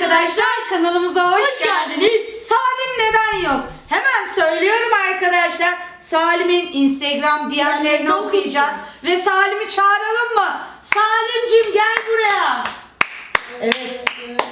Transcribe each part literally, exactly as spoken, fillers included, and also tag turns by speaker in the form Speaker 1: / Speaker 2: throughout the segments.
Speaker 1: arkadaşlar, kanalımıza hoş, hoş geldiniz. Salim neden yok? Hemen söylüyorum arkadaşlar. Salim'in Instagram D M'lerini okuyacağız ve Salim'i çağıralım mı? Salim'cim gel buraya. Evet.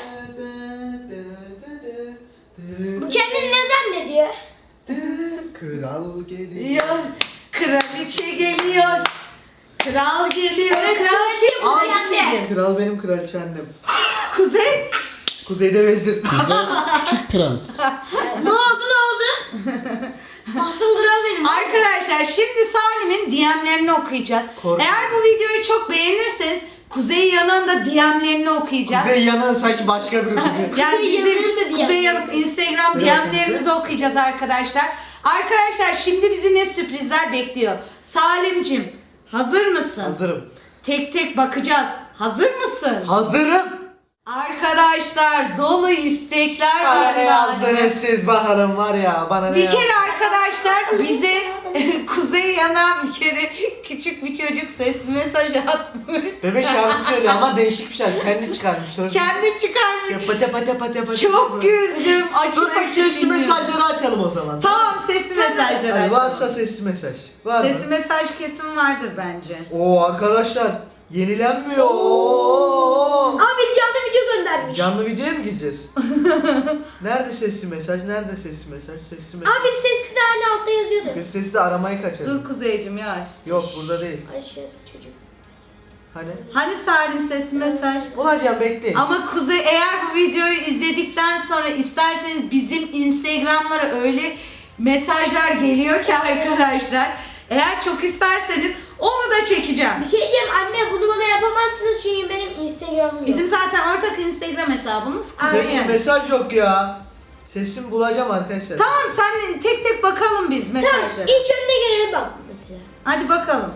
Speaker 2: Bu kendini ne zannediyor?
Speaker 3: Kral geliyor.
Speaker 1: Kraliçe geliyor. Kral geliyor.
Speaker 2: Evet,
Speaker 1: Kraliçe
Speaker 2: kraliçe
Speaker 1: bu
Speaker 2: bu
Speaker 1: anne.
Speaker 3: Kral benim, kraliçe annem.
Speaker 1: Kuzey.
Speaker 3: Kuzeyde vezir.
Speaker 4: Küçük prens.
Speaker 2: Ne oldu ne oldu? Tahtım kral benim.
Speaker 1: Arkadaşlar şimdi Salim'in D M'lerini okuyacağız.
Speaker 3: Korkma.
Speaker 1: Eğer bu videoyu çok beğenirseniz Kuzey Yanık'ın da D M'lerini okuyacağız.
Speaker 3: Kuzey yanı sanki başka biri Kuzey.
Speaker 1: Yani
Speaker 2: Kuzey
Speaker 1: bizim
Speaker 2: Yanık'ın da D
Speaker 1: Kuzey
Speaker 2: M'leri.
Speaker 1: Yanık Instagram D
Speaker 3: Evet,
Speaker 1: M'lerimizi
Speaker 3: evet.
Speaker 1: okuyacağız arkadaşlar. Arkadaşlar şimdi bizi ne sürprizler bekliyor? Salim'cim hazır mısın?
Speaker 3: Hazırım.
Speaker 1: Tek tek bakacağız. Hazır mısın?
Speaker 3: Hazırım.
Speaker 1: Arkadaşlar dolu istekler
Speaker 3: Bana
Speaker 1: var
Speaker 3: ne
Speaker 1: Salim'e.
Speaker 3: yazdınız siz bakalım var ya. Bana ne
Speaker 1: Bir
Speaker 3: yazdınız?
Speaker 1: kere arkadaşlar bize Kuzey Yana bir kere küçük bir çocuk sesli mesaj atmış.
Speaker 3: Bebek şarkı söylüyor ama değişik bir şarkı. Kendi çıkarmış. Söz.
Speaker 1: Kendi çıkarmış.
Speaker 3: Ya pata pata pata pata.
Speaker 1: Çok güldüm. Açık
Speaker 3: Dur
Speaker 1: açık
Speaker 3: sesli
Speaker 1: dinliyorum.
Speaker 3: mesajları açalım o zaman.
Speaker 1: Tamam sesli mesajlar
Speaker 3: Hani
Speaker 1: açalım.
Speaker 3: varsa sesli mesaj. Var mı?
Speaker 1: Sesli mesaj kesin vardır bence.
Speaker 3: Oo arkadaşlar yenilenmiyor. Oo.
Speaker 2: Abi canlı video göndermiş.
Speaker 3: Canlı videoya mı gideceğiz? Nerede sesli mesaj? Nerede sesli mesaj? Sesli mesaj.
Speaker 2: Abi sesli de hala altta yazıyordu.
Speaker 3: Bir sesli aramayı kaçırdım.
Speaker 1: Dur Kuzeycim yavaş.
Speaker 3: Yok burada değil.
Speaker 2: Aşağıda çocuk.
Speaker 3: Hani?
Speaker 1: Hani Salim sesli mesaj?
Speaker 3: Olacağım bekleyin.
Speaker 1: Ama Kuzey eğer bu videoyu izledikten sonra isterseniz bizim Instagram'lara öyle mesajlar geliyor ki arkadaşlar. Eğer çok isterseniz onu da çekeceğim.
Speaker 2: Bir şey diyeceğim anne, bunu bana yapamazsınız çünkü benim Instagram'ım yok.
Speaker 1: Bizim zaten ortak Instagram hesabımız Kuzey
Speaker 3: Sesli
Speaker 1: yani.
Speaker 3: mesaj yok ya. Sesimi bulacağım arkadaşlar.
Speaker 1: Tamam sen tek tek bakalım biz
Speaker 2: Tamam,
Speaker 1: mesajlara.
Speaker 2: ilk önüne gelene bak mesela.
Speaker 1: Hadi bakalım.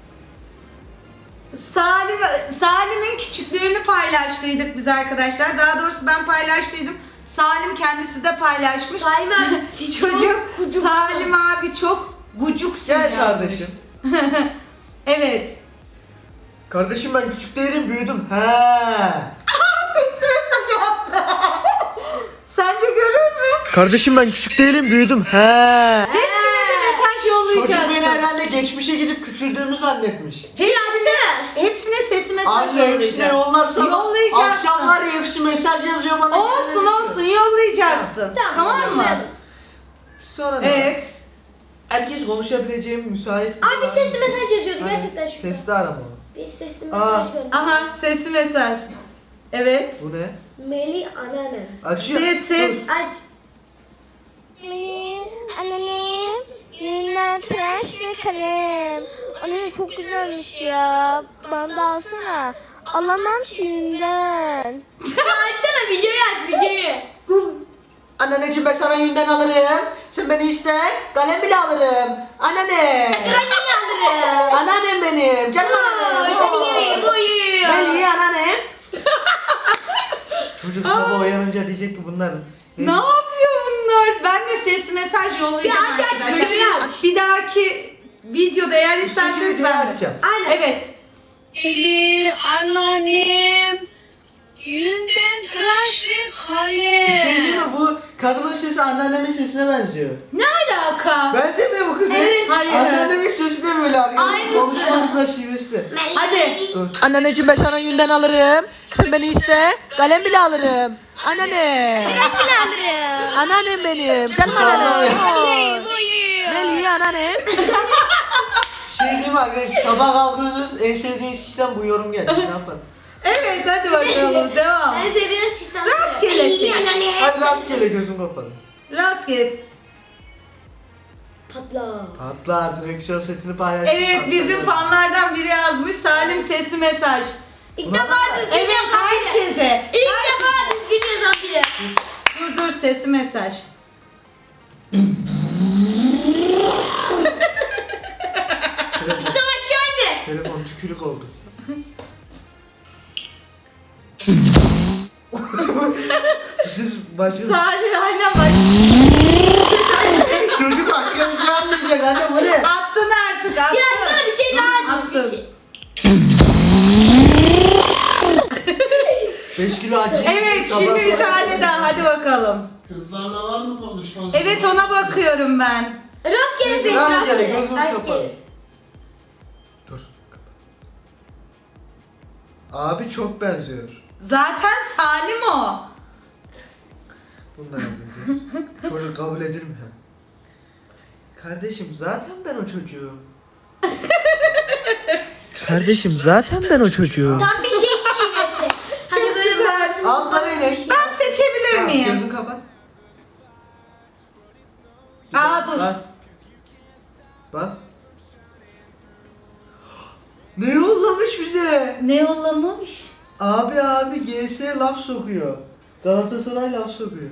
Speaker 1: Salim Salim'in küçüklüğünü paylaştıydık biz arkadaşlar. Daha doğrusu ben paylaştıydım. Salim kendisi de paylaşmış.
Speaker 2: Salim abi
Speaker 1: Çocuk
Speaker 2: kucuksun.
Speaker 1: Salim abi çok gucuksun
Speaker 3: Gel
Speaker 1: yazmış.
Speaker 3: kardeşim.
Speaker 1: Evet.
Speaker 3: Kardeşim ben küçük değilim, büyüdüm. He.
Speaker 1: Sence görür mü?
Speaker 3: Kardeşim ben küçük değilim, büyüdüm. He.
Speaker 1: Hepsine de mesaj
Speaker 3: Çocuk beni
Speaker 1: yollayacaksın.
Speaker 3: herhalde geçmişe gidip küçüldüğümü zannetmiş.
Speaker 1: Hepsine, hepsine sesli mesaj
Speaker 3: Anne hepsine
Speaker 1: yollayacaksın.
Speaker 3: yollarsam
Speaker 1: Yollayacaksın.
Speaker 3: akşamlar hepsi mesaj yazıyor bana.
Speaker 1: Olsun
Speaker 3: geliyor.
Speaker 1: olsun yollayacaksın.
Speaker 2: Tamam,
Speaker 1: Tamam mı?
Speaker 2: yollayalım.
Speaker 3: Sonra ne?
Speaker 1: Evet.
Speaker 3: Herkes konuşabileceğim müsait.
Speaker 2: Abi sesli mesaj yazıyordu
Speaker 3: Hani
Speaker 2: gerçekten şu.
Speaker 3: Sesli arama.
Speaker 2: Bir sesli
Speaker 3: Aa.
Speaker 2: mesaj gönderdi.
Speaker 1: Aha sesli mesaj. Evet.
Speaker 3: Bu ne?
Speaker 2: Melih anneanne.
Speaker 3: Açıyor.
Speaker 1: Ses ses.
Speaker 2: Aç.
Speaker 5: Anneannem yüzünden tıraş ve kalem. Anne çok güzelmiş ya. Bana da alsana. Alamam şimdiden.
Speaker 2: Açsana videoyu aç videoyu.
Speaker 3: Anneanneciğim ben sana yünden alırım. Sen beni iste. Kalem bile alırım. Anneanne.
Speaker 2: Anne alırım.
Speaker 3: Anneannem benim. Canım anneannem.
Speaker 2: Seni
Speaker 3: Oo.
Speaker 2: yereyim boyu.
Speaker 3: Ben iyi anneannem. Çocuk sabah uyanınca diyecek ki bunlar.
Speaker 1: Ne yapıyor bunlar? Ben de sesli mesaj yollayacağım
Speaker 2: Bir aç, aç,
Speaker 1: arkadaşlar.
Speaker 2: videoyu aç.
Speaker 1: Bir dahaki videoda eğer isterseniz
Speaker 3: videoyu
Speaker 1: ben de.
Speaker 3: açacağım.
Speaker 2: Aynen.
Speaker 1: Evet.
Speaker 6: Eli anneannem yünden tıraş ve
Speaker 3: Bir şey
Speaker 6: kalem.
Speaker 3: değil mi? Bu kadının sesi anneannemin sesine benziyor.
Speaker 1: Ne alaka?
Speaker 3: Benzemiyor mu kız?
Speaker 1: Evet, hayır.
Speaker 3: Anneannemin sesi de böyle arkadaşlar.
Speaker 1: Aynısı.
Speaker 3: Konuşması da şivesi de.
Speaker 1: Hadi.
Speaker 3: Anneanneciğim ben sana yünden alırım. Sen beni iste. Kalem bile alırım. Anneanne.
Speaker 2: Kalem bile alırım.
Speaker 3: Anneannem benim. Canım anneannem. Oo.
Speaker 2: Yereyim boyu.
Speaker 3: Melih anneannem. Şey diyeyim mi arkadaşlar? Sabah kalkıyorsunuz en sevdiğiniz kişiden bu yorum geldi. Ne yapalım?
Speaker 1: Evet hadi bakalım devam.
Speaker 2: Ben seviyoruz çizsem.
Speaker 1: Rastgelesin.
Speaker 3: Hadi rastgele gözüm kapalı.
Speaker 1: Rastgele.
Speaker 2: Patla.
Speaker 3: Patlar direksiyon setini paylaş.
Speaker 1: Evet bizim fanlardan biri yazmış Salim sesli mesaj.
Speaker 2: İlk
Speaker 3: Buna
Speaker 2: defa
Speaker 3: bak.
Speaker 2: düzgün
Speaker 1: Evet
Speaker 2: yazan biri.
Speaker 1: herkese.
Speaker 2: İlk defa düzgün yazan biri.
Speaker 1: Dur dur sesli mesaj.
Speaker 3: Telefon,
Speaker 2: Sen aşağı indi.
Speaker 3: telefon tükürük oldu. Siz başka...
Speaker 1: Salim aynen bak.
Speaker 3: Çocuk başka bir şey anlayacak anne bu ne?
Speaker 1: Attın artık attın.
Speaker 2: Ya sana bir şey daha bir
Speaker 1: Attın.
Speaker 2: şey.
Speaker 3: beş kilo acı.
Speaker 1: Evet şimdi bir tane daha hadi bakalım.
Speaker 4: Kızlarla var mı konuşman?
Speaker 1: Evet ona bakıyorum ben.
Speaker 2: Rastgele seç
Speaker 3: Rastgele,
Speaker 2: rastgele.
Speaker 3: gözümüz kapalı.
Speaker 2: Rastgele.
Speaker 3: Dur. Abi çok benziyor.
Speaker 1: Zaten Salim o.
Speaker 3: Bunu da yapacağız. Çocuk kabul edilir mi? Kardeşim zaten ben o çocuğum. Kardeşim zaten ben o çocuğum.
Speaker 2: Tam bir şey şivesi. Hani böyle
Speaker 1: güzel.
Speaker 2: böyle-
Speaker 3: Alttan inek.
Speaker 1: Ben seçebilir
Speaker 3: Tamam,
Speaker 1: miyim?
Speaker 3: gözünü kapat.
Speaker 1: Aa, dur.
Speaker 3: Bas. Bas. Ne yollamış bize?
Speaker 1: Ne yollamış?
Speaker 3: Abi abi G S laf sokuyor. Galatasaray laf sokuyor.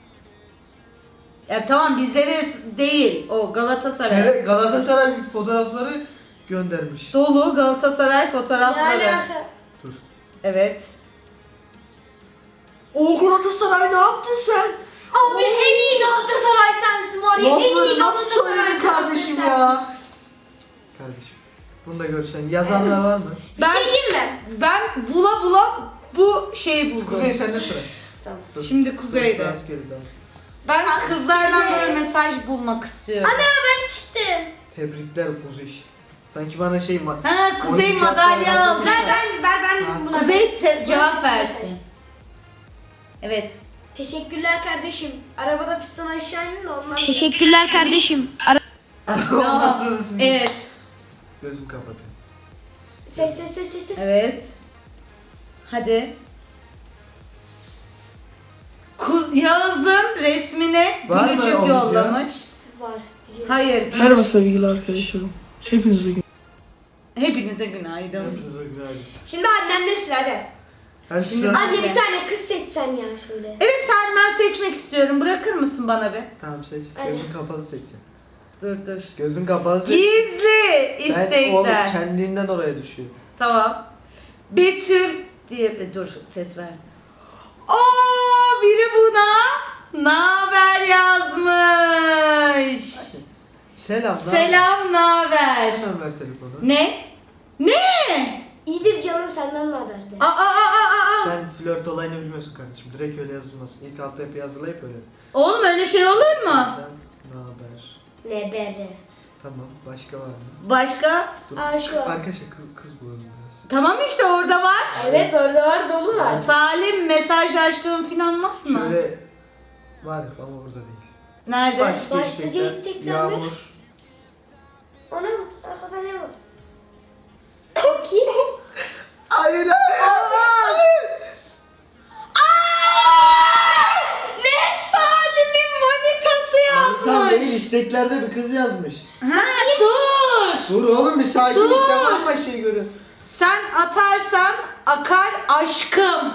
Speaker 1: Ya tamam bizlere değil o Galatasaray.
Speaker 3: Evet, Galatasaray fotoğrafları göndermiş.
Speaker 1: Dolu Galatasaray
Speaker 2: Ne
Speaker 1: fotoğrafları.
Speaker 2: alaka?
Speaker 3: Dur.
Speaker 1: Evet.
Speaker 3: O Galatasaray ne yaptın sen?
Speaker 2: Abi en iyi Galatasaray sensin var ya. En iyi
Speaker 3: Lafları nasıl
Speaker 2: Galatasaray
Speaker 3: söyledin kardeşim
Speaker 2: sensin.
Speaker 3: ya? Kardeşim. Bunu da görsen yazanlar var mı?
Speaker 1: Ben,
Speaker 2: şey diyeyim mi?
Speaker 1: Ben bula bula bu şeyi buldum.
Speaker 3: Kuzey sende sıra.
Speaker 2: Tamam.
Speaker 3: Dur.
Speaker 1: Şimdi Kuzey'de.
Speaker 3: Dur, dans geri dans.
Speaker 1: Ben kızlardan böyle mesaj bulmak istiyorum.
Speaker 2: Ana ben çıktım.
Speaker 3: Tebrikler Kuzey. Sanki bana şey ma...
Speaker 1: Ha Kuzey
Speaker 3: Oyun
Speaker 1: madalya
Speaker 3: tiyatrolardan
Speaker 1: aldı.
Speaker 2: Ben ben ben ben
Speaker 3: Ha.
Speaker 2: buna
Speaker 1: Kuzey se- cevap
Speaker 2: Mesaj.
Speaker 1: versin. Evet.
Speaker 2: Teşekkürler kardeşim. Arabada piston aşağı inin de ondan. Teşekkürler kardeşim.
Speaker 1: Tamam. Evet.
Speaker 3: Gözüm kapatıyorum.
Speaker 2: Ses ses ses ses ses.
Speaker 1: Evet. Hadi. Kuz Yağız'ın resmine
Speaker 3: Var mı
Speaker 1: gülücük
Speaker 3: o video?
Speaker 1: yollamış.
Speaker 2: Var. biliyorum.
Speaker 1: Hayır.
Speaker 4: Merhaba sevgili arkadaşlarım. Hepinize gün.
Speaker 1: Hepinize günaydın.
Speaker 3: Hepinize günaydın.
Speaker 2: Şimdi annemde sıra hadi.
Speaker 3: Hadi
Speaker 1: Şimdi-
Speaker 3: sıra.
Speaker 2: Anne bir tane kız seçsen ya şöyle.
Speaker 1: Evet Salim ben seçmek istiyorum. Bırakır mısın bana bir?
Speaker 3: Tamam seç.
Speaker 2: Hadi.
Speaker 3: Gözün kapalı seçeceğim.
Speaker 1: Dur dur.
Speaker 3: Gözün kapalı seç.
Speaker 1: Gizli
Speaker 3: Ben oğlum
Speaker 1: istekler.
Speaker 3: kendinden oraya düşüyor.
Speaker 1: Tamam. Betül diye e, dur ses ver. Oo biri buna naber yazmış.
Speaker 3: Selam. ne
Speaker 1: Selam naber.
Speaker 3: haber? Hemen ver telefonu.
Speaker 1: Ne? Ne?
Speaker 2: İyidir canım senden ne haber de.
Speaker 1: Aa aa aa aa.
Speaker 3: Sen flört olayını bilmiyorsun kardeşim. Direkt öyle yazılmasın. İlk altta hep yazılayıp öyle.
Speaker 1: Oğlum öyle şey olur mu?
Speaker 3: Senden ne haber?
Speaker 2: Ne bere.
Speaker 3: Tamam. Başka var mı?
Speaker 1: Başka?
Speaker 3: Dur.
Speaker 2: Aa, şu an.
Speaker 3: Arkadaşlar kız kız bulalım biraz.
Speaker 1: Tamam işte orada var.
Speaker 2: Evet orada var dolu var.
Speaker 1: Salim mesajlaştığın falan var mı?
Speaker 3: Şöyle var ama burada değil.
Speaker 1: Nerede?
Speaker 3: Başlıca
Speaker 2: Başlıca
Speaker 3: istekler,
Speaker 2: istekler mi?
Speaker 3: Yağmur.
Speaker 2: Ona mı? Arkada ne var? Bakayım.
Speaker 3: Hayır hayır.
Speaker 1: Ne? Salim'in manitası
Speaker 3: Tam
Speaker 1: yazmış.
Speaker 3: değil isteklerde bir kız yazmış.
Speaker 1: Ha dur.
Speaker 3: Dur oğlum bir sakinlik
Speaker 1: Dur.
Speaker 3: de var mı şey görün.
Speaker 1: Sen atarsan akar aşkım.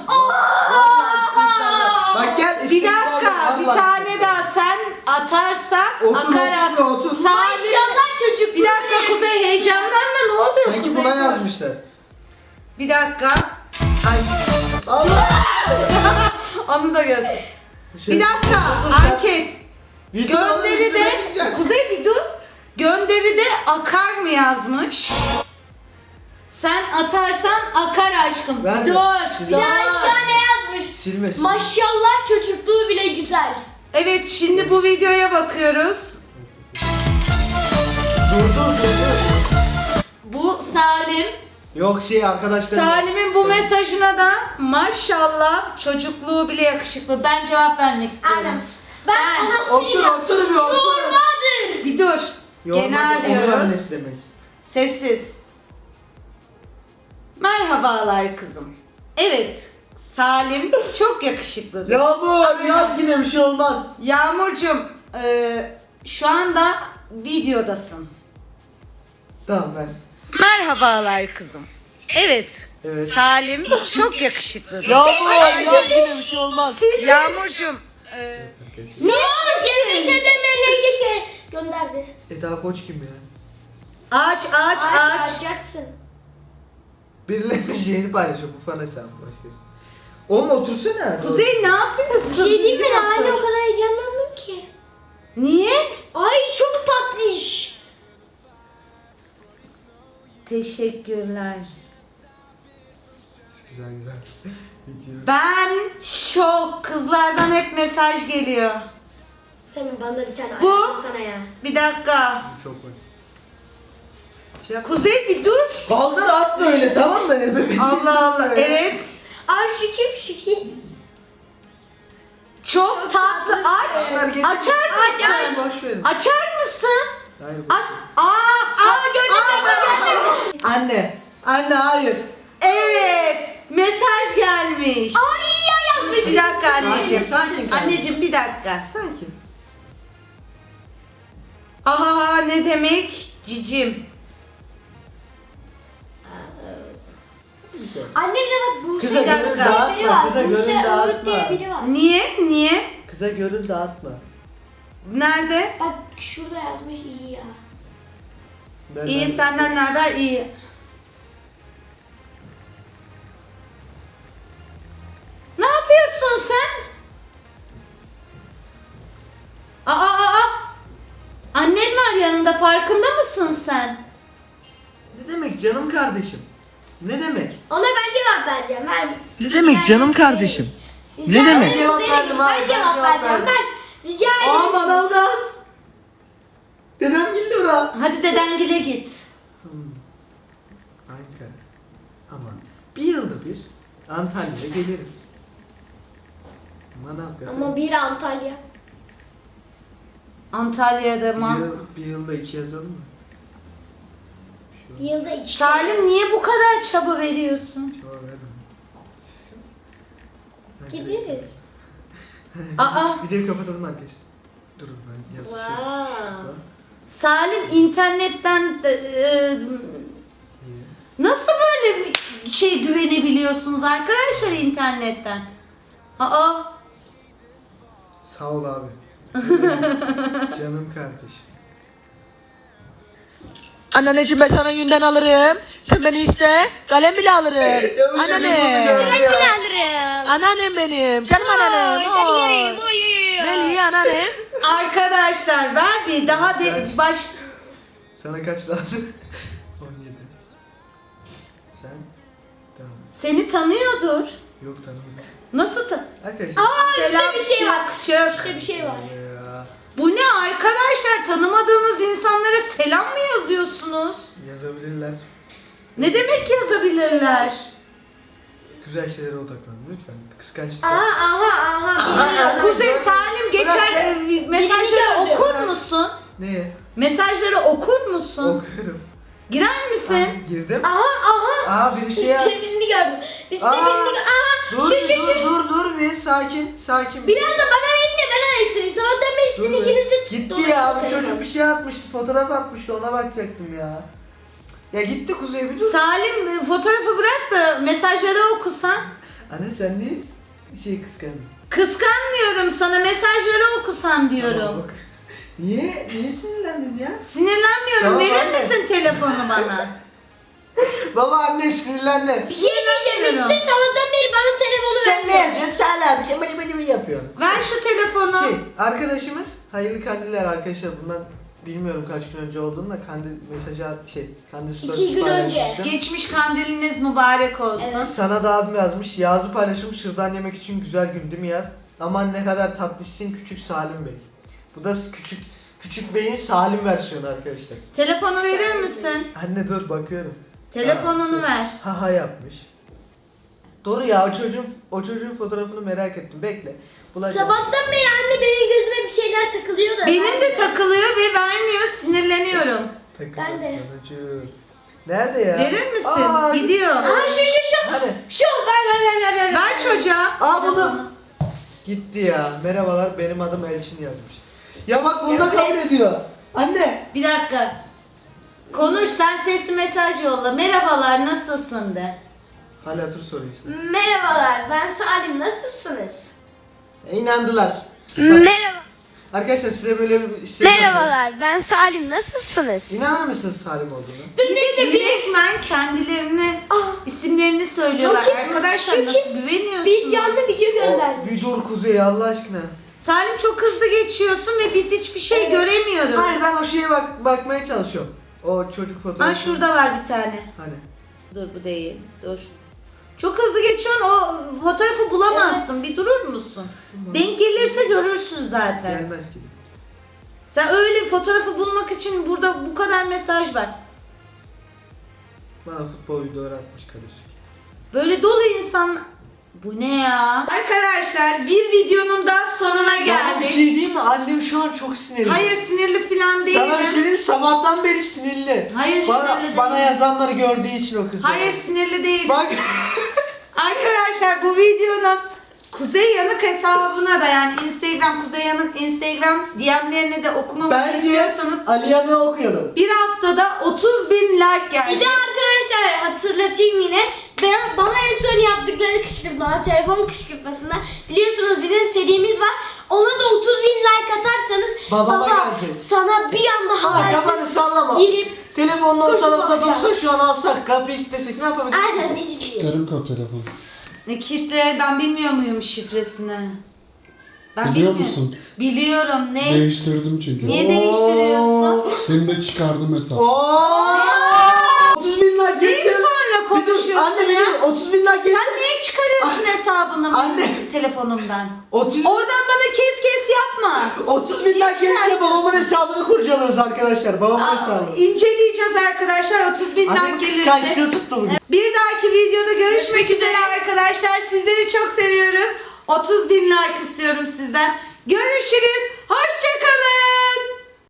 Speaker 3: Bak gel
Speaker 1: Bir
Speaker 3: isteklerden
Speaker 1: dakika, bir
Speaker 3: Allah
Speaker 1: tane
Speaker 3: aşkına.
Speaker 1: daha sen atarsan
Speaker 3: Otur,
Speaker 1: akar
Speaker 3: otur, otur.
Speaker 1: Salim.
Speaker 2: Maşallah çocuk.
Speaker 1: Bir dakika Kuzey heyecanlanma ne oluyor
Speaker 3: Sanki
Speaker 1: Kuzey?
Speaker 3: buna yazmışlar.
Speaker 1: Bir dakika. Ay.
Speaker 3: Allah.
Speaker 1: Onu da göster.
Speaker 3: Şey-
Speaker 1: Bir dakika
Speaker 3: Dur sen-
Speaker 1: anket.
Speaker 3: Videonun
Speaker 1: Gönderi
Speaker 3: üstüne
Speaker 1: de
Speaker 3: çıkacak.
Speaker 1: Kuzey bir dur. Gönderi de akar mı yazmış? Sen atarsan akar aşkım.
Speaker 3: Ben de.
Speaker 1: dur.
Speaker 3: Şimdi-
Speaker 1: dur.
Speaker 2: Ya aşağı ne yazmış?
Speaker 3: Silmesin.
Speaker 2: Maşallah çocukluğu bile güzel.
Speaker 1: Evet şimdi bu videoya bakıyoruz.
Speaker 3: Dur dur dur dur.
Speaker 1: Bu Salim.
Speaker 3: Yok şey arkadaşlar.
Speaker 1: Salim'in bu mesajına da maşallah çocukluğu bile yakışıklı. Ben cevap vermek istiyorum.
Speaker 2: Aynen. Ben
Speaker 1: Ben-
Speaker 2: ona
Speaker 3: Otur
Speaker 2: söyleyeyim.
Speaker 3: otur bir otur.
Speaker 2: Yormadır.
Speaker 1: Bir dur. Genel
Speaker 3: Onur
Speaker 1: diyoruz.
Speaker 3: annesi demek.
Speaker 1: Sessiz. Merhabalar kızım. Evet. Salim çok yakışıklıdır.
Speaker 3: Yağmur yaz yine bir şey olmaz.
Speaker 1: Yağmurcuğum e, şu anda videodasın.
Speaker 3: Tamam ben.
Speaker 1: Merhabalar kızım. Evet.
Speaker 3: Evet.
Speaker 1: Salim çok yakışıklıdır.
Speaker 3: Yağmur yaz yine bir şey olmaz.
Speaker 1: Yağmurcuğum e,
Speaker 2: Ne oldu? Tebrik edemeliydi ki. Gönderdi.
Speaker 3: Eda Koç kim ya?
Speaker 1: aç aç aç.
Speaker 2: Açacaksın.
Speaker 3: Birilerinin şeyini paylaşıyor bu fan hesabı başkası. Oğlum otursana.
Speaker 1: Kuzey ne yapıyorsun?
Speaker 2: Bir şey diyeyim mi?
Speaker 1: Düzgün
Speaker 2: Hala o
Speaker 1: otur.
Speaker 2: kadar heyecanlandım ki.
Speaker 1: Niye?
Speaker 2: Ay çok tatlı iş.
Speaker 1: Teşekkürler.
Speaker 3: Güzel güzel. Geçiyoruz.
Speaker 1: Ben şok. Kızlardan hep mesaj geliyor.
Speaker 2: Senin bana bir tane
Speaker 1: Bu?
Speaker 2: ayarlayayım sana ya.
Speaker 1: Bir dakika.
Speaker 3: Çok var. Şey yap.
Speaker 1: Kuzey bir dur.
Speaker 3: Kaldır atma öyle tamam mı? Bebeğim.
Speaker 1: Allah Allah. Evet.
Speaker 2: Aa şu kim şu kim?
Speaker 1: Çok tatlı. Aç.
Speaker 3: Bunlar getir.
Speaker 1: Açar
Speaker 3: Sen
Speaker 1: mısın?
Speaker 3: boş verin.
Speaker 1: Açar mısın?
Speaker 3: Hayır, boş
Speaker 1: Aç.
Speaker 3: ver.
Speaker 1: Aa, aa gördüm gördüm.
Speaker 3: Anne. Anne hayır.
Speaker 1: Evet. Mesaj gelmiş.
Speaker 2: Aa iyi ya yazmış.
Speaker 1: Bir dakika anneciğim.
Speaker 3: Sakin, sakin, sakin.
Speaker 1: Anneciğim bir dakika.
Speaker 3: Sanki.
Speaker 1: Aha ne demek? Cicim.
Speaker 2: Annemle bak Buse
Speaker 3: Kıza
Speaker 2: diye
Speaker 1: gönül
Speaker 2: biri
Speaker 3: dağıtma,
Speaker 2: var.
Speaker 3: kıza gönül
Speaker 2: Buse
Speaker 3: dağıtma.
Speaker 2: Öğüt diye biri var.
Speaker 1: Niye? Niye?
Speaker 3: Kıza görül dağıtma.
Speaker 1: Nerede?
Speaker 2: Bak şurada yazmış iyi ya.
Speaker 3: Ben-
Speaker 1: İyi
Speaker 3: ben-
Speaker 1: senden ne haber? İyi. Ne yapıyorsun sen? Aa aa aa. Annen var yanında farkında mısın sen?
Speaker 3: Ne demek canım kardeşim? Ne demek?
Speaker 2: Ona ben cevap vereceğim. Ben
Speaker 3: Ne demek canım kardeşim? Ne demek?
Speaker 2: Ben
Speaker 3: Cevap verdim abi,
Speaker 2: Ben
Speaker 3: ben
Speaker 2: cevap
Speaker 3: cevap
Speaker 2: vereceğim.
Speaker 3: verdim.
Speaker 2: Ben rica
Speaker 3: Aa
Speaker 2: ederim.
Speaker 3: bana o dağıt. Dedem geliyor ha.
Speaker 1: Hadi dedengile git.
Speaker 3: Hmm. Ankara. Ama bir yılda bir Antalya'ya geliriz. Manavgat'a.
Speaker 2: Ama bir Antalya.
Speaker 1: Antalya'da
Speaker 3: bir,
Speaker 1: man.
Speaker 3: yıl, bir yılda iki yazalım mı?
Speaker 2: Bir yılda iki.
Speaker 1: Salim niye bu kadar çaba veriyorsun?
Speaker 3: Şu an verdim.
Speaker 2: Gideriz.
Speaker 1: Aa.
Speaker 3: Videoyu kapatalım arkadaşlar. Durun ben yaz
Speaker 2: Wow.
Speaker 3: şey.
Speaker 1: Salim internetten e, e,
Speaker 3: İyi.
Speaker 1: nasıl böyle bir şey güvenebiliyorsunuz arkadaşlar internetten? Aa.
Speaker 3: Sağ ol abi. Canım kardeş.
Speaker 7: Anneanneciğim ben sana yünden alırım. Sen beni iste. Kalem bile alırım. Anneannem.
Speaker 2: alırım.
Speaker 7: Anneannem benim. Canım anneannem. Oy. Veli anneannem.
Speaker 1: Arkadaşlar ver bir daha de
Speaker 3: Evet.
Speaker 1: baş
Speaker 3: Sana kaç lazım? on yedi. Sen? Tamam.
Speaker 1: seni tanıyordur.
Speaker 3: Yok tanımıyorum.
Speaker 1: Nasıl ta
Speaker 3: Arkadaşlar.
Speaker 2: Aa
Speaker 1: Selam
Speaker 2: üstte bir şey var.
Speaker 1: çık çık.
Speaker 2: Üstte bir şey var.
Speaker 3: Ya,
Speaker 1: Bu ne arkadaşlar tanımadığınız insanlara selam mı yazıyorsunuz?
Speaker 3: yazabilirler.
Speaker 1: Ne demek yazabilirler?
Speaker 3: Güzel şeylere odaklanın lütfen. Kıskançlık.
Speaker 1: Aha aha aha.
Speaker 3: aha,
Speaker 1: Kuzey
Speaker 3: gördüm.
Speaker 1: Salim geçer
Speaker 3: Bırak.
Speaker 1: e, mesajları
Speaker 2: gördüm.
Speaker 1: okur musun?
Speaker 3: Neye?
Speaker 1: Mesajları okur musun?
Speaker 3: Okuyorum.
Speaker 1: Girer misin?
Speaker 3: Aa, girdim.
Speaker 2: Aha aha.
Speaker 3: Aa biri şey yap.
Speaker 2: Üstte birini gördüm. Üstte
Speaker 3: Aa,
Speaker 2: birini gördüm. Aha.
Speaker 3: Dur
Speaker 2: Şu şu
Speaker 3: dur
Speaker 2: şu.
Speaker 3: dur dur bir sakin sakin.
Speaker 2: Biraz da bana verin de ben araştırayım. Sabahtan beri sizin
Speaker 3: Dur be.
Speaker 2: ikiniz de
Speaker 3: Gitti ya bu
Speaker 2: dolaşın
Speaker 3: çocuk
Speaker 2: telefonu.
Speaker 3: bir şey atmıştı fotoğraf atmıştı ona bakacaktım ya. Ya gitti Kuzey bir dur.
Speaker 1: Salim e, fotoğrafı bırak da mesajları okusan.
Speaker 3: Anne sen niye şey kıskandın?
Speaker 1: Kıskanmıyorum sana mesajları okusan
Speaker 3: Tamam,
Speaker 1: diyorum.
Speaker 3: bak. Niye? Niye sinirlendin ya?
Speaker 1: Sinirlenmiyorum.
Speaker 3: Tamam,
Speaker 1: Verir
Speaker 3: anne.
Speaker 1: misin telefonu bana?
Speaker 3: Baba anne sinirlendi.
Speaker 2: Bir şey diyeceğim.
Speaker 1: Bilmiyorum.
Speaker 2: İşte sabahtan beri bana telefonu
Speaker 3: Sen ne
Speaker 2: vermiyor.
Speaker 3: yazıyorsun? Sen abi kemal beni mi yapıyorsun?
Speaker 1: Ver şu telefonu.
Speaker 3: Şey arkadaşımız hayırlı kandiller arkadaşlar bundan bilmiyorum kaç gün önce olduğunu da kandil mesajı at şey kandil story
Speaker 2: İki gün önce.
Speaker 3: paylaşmıştım.
Speaker 1: Geçmiş kandiliniz mübarek olsun.
Speaker 3: Sana da abim yazmış. Yazı paylaşım şırdan yemek için güzel gün değil mi yaz? Aman ne kadar tatlısın küçük Salim Bey. Bu da küçük küçük beyin Salim versiyonu arkadaşlar.
Speaker 1: Telefonu verir misin?
Speaker 3: Anne dur bakıyorum.
Speaker 1: Telefonunu
Speaker 3: Ha, şey,
Speaker 1: ver.
Speaker 3: Ha ha yapmış. Doğru ya o çocuğun o çocuğun fotoğrafını merak ettim. Bekle. Bulacağım.
Speaker 2: Sabahtan beri anne benim gözüme bir şeyler takılıyor da.
Speaker 1: Benim
Speaker 2: ben
Speaker 1: de takılıyor ve vermiyor. Sinirleniyorum.
Speaker 3: Takılır
Speaker 2: Ben de.
Speaker 3: sanacığım. Nerede ya?
Speaker 1: Verir misin?
Speaker 3: Aa,
Speaker 1: Gidiyor.
Speaker 2: Aa şu şu şu.
Speaker 3: Hani?
Speaker 2: Şu ver ver ver ver ver.
Speaker 1: Ver çocuğa.
Speaker 3: Aa buldum. Gitti ya. Merhabalar benim adım Elçin yazmış. Ya bak bunda
Speaker 2: Evet.
Speaker 3: kabul ediyor. Anne.
Speaker 1: Bir dakika. Konuş sen sesli mesaj yolla. Merhabalar nasılsın de.
Speaker 3: Hala hatır soruyorsun.
Speaker 2: Merhabalar ben Salim nasılsınız?
Speaker 3: E, inandılar.
Speaker 2: Merhaba.
Speaker 3: Arkadaşlar size böyle bir şey
Speaker 2: Merhabalar ben Salim nasılsınız?
Speaker 3: İnanır mısınız Salim olduğunu?
Speaker 1: Bir de direktmen kendilerini isimlerini söylüyorlar.
Speaker 2: Yok ki,
Speaker 1: Arkadaşlar
Speaker 2: şu
Speaker 1: nasıl
Speaker 2: ki,
Speaker 1: güveniyorsunuz?
Speaker 2: Bir canlı video
Speaker 3: O,
Speaker 2: göndermiş.
Speaker 3: bir dur Kuzey Allah aşkına.
Speaker 1: Salim çok hızlı geçiyorsun ve biz hiçbir şey
Speaker 2: Evet.
Speaker 1: göremiyoruz.
Speaker 3: Hayır ben o şeye bak bakmaya çalışıyorum. O çocuk fotoğrafı.
Speaker 1: Ha şurada var bir tane.
Speaker 3: Hani.
Speaker 1: Dur bu değil. Dur. Çok hızlı geçiyorsun, o fotoğrafı bulamazsın. Bir durur musun? Denk gelirse görürsün zaten.
Speaker 3: Gelmez ki.
Speaker 1: Sen öyle fotoğrafı bulmak için burada bu kadar mesaj var.
Speaker 3: Bana futbol videoları atmış kardeşim.
Speaker 1: Böyle dolu insan... Bu ne ya? Arkadaşlar bir videonun da sonuna
Speaker 3: Ya bir
Speaker 1: geldik.
Speaker 3: şey diyeyim mi? Annem şu an çok sinirli.
Speaker 1: Hayır sinirli falan değilim.
Speaker 3: Sana bir şey diyeyim mi? Sabahtan beri sinirli.
Speaker 1: Hayır,
Speaker 3: bana,
Speaker 1: sinirli
Speaker 3: Bana
Speaker 1: değilim.
Speaker 3: yazanları gördüğü için o kız.
Speaker 1: Hayır sinirli değilim.
Speaker 3: Bak.
Speaker 1: Arkadaşlar bu videonun Kuzey Yanık hesabına da yani Instagram Kuzey Yanık Instagram D M'lerini de okumamı
Speaker 3: Bence
Speaker 1: istiyorsanız
Speaker 3: Aliyan'ı okuyalım.
Speaker 1: bir haftada otuz bin like geldi.
Speaker 2: Bir de arkadaşlar hatırlatayım yine. Ben, bana en son yaptıkları kışkırtma, telefon kışkırtmasında biliyorsunuz bizim serimiz var. Ona da otuz bin like atarsanız
Speaker 3: Babama
Speaker 2: baba
Speaker 3: gelecek.
Speaker 2: sana bir anda
Speaker 3: Aa, kafanı
Speaker 2: habersiz
Speaker 3: sallama.
Speaker 2: girip
Speaker 3: Telefonla
Speaker 2: koşup
Speaker 3: ortalıkta
Speaker 2: alacağız.
Speaker 3: dursa şu an alsak kapıyı kilitlesek ne yapabiliriz?
Speaker 2: aynen hiçbir şey.
Speaker 4: Yarım kap telefon.
Speaker 1: Ne kitle ben bilmiyor muyum şifresini? Ben
Speaker 4: Biliyor
Speaker 1: bilmiyorum.
Speaker 4: musun?
Speaker 1: Biliyorum. Ne?
Speaker 4: Değiştirdim çünkü.
Speaker 1: Niye değiştiriyorsun?
Speaker 4: Seni de çıkardım hesap.
Speaker 3: Oo! otuz bin like
Speaker 1: Neyi
Speaker 3: geçsin.
Speaker 1: sonra
Speaker 3: Bir dur,
Speaker 1: konuşuyorsun
Speaker 3: anne
Speaker 1: ya?
Speaker 3: dur, otuz bin like geçsin.
Speaker 1: Sen niye çıkarıyorsun hesabını
Speaker 3: Anne.
Speaker 1: benim telefonumdan?
Speaker 3: otuz,
Speaker 1: Oradan bana kes kes yapma.
Speaker 3: otuz bin like geçse
Speaker 1: çıkartıyorsun?
Speaker 3: babamın hesabını kurcalıyoruz arkadaşlar. Babamın
Speaker 1: Aa,
Speaker 3: hesabı.
Speaker 1: İnceleyeceğiz arkadaşlar otuz bin like
Speaker 3: Annem
Speaker 1: gelirse.
Speaker 3: kıskançlığı tuttu bugün.
Speaker 1: Bir dahaki videoda görüşmek üzere arkadaşlar. Sizleri çok seviyoruz. otuz bin like istiyorum sizden. Görüşürüz. Hoşçakalın.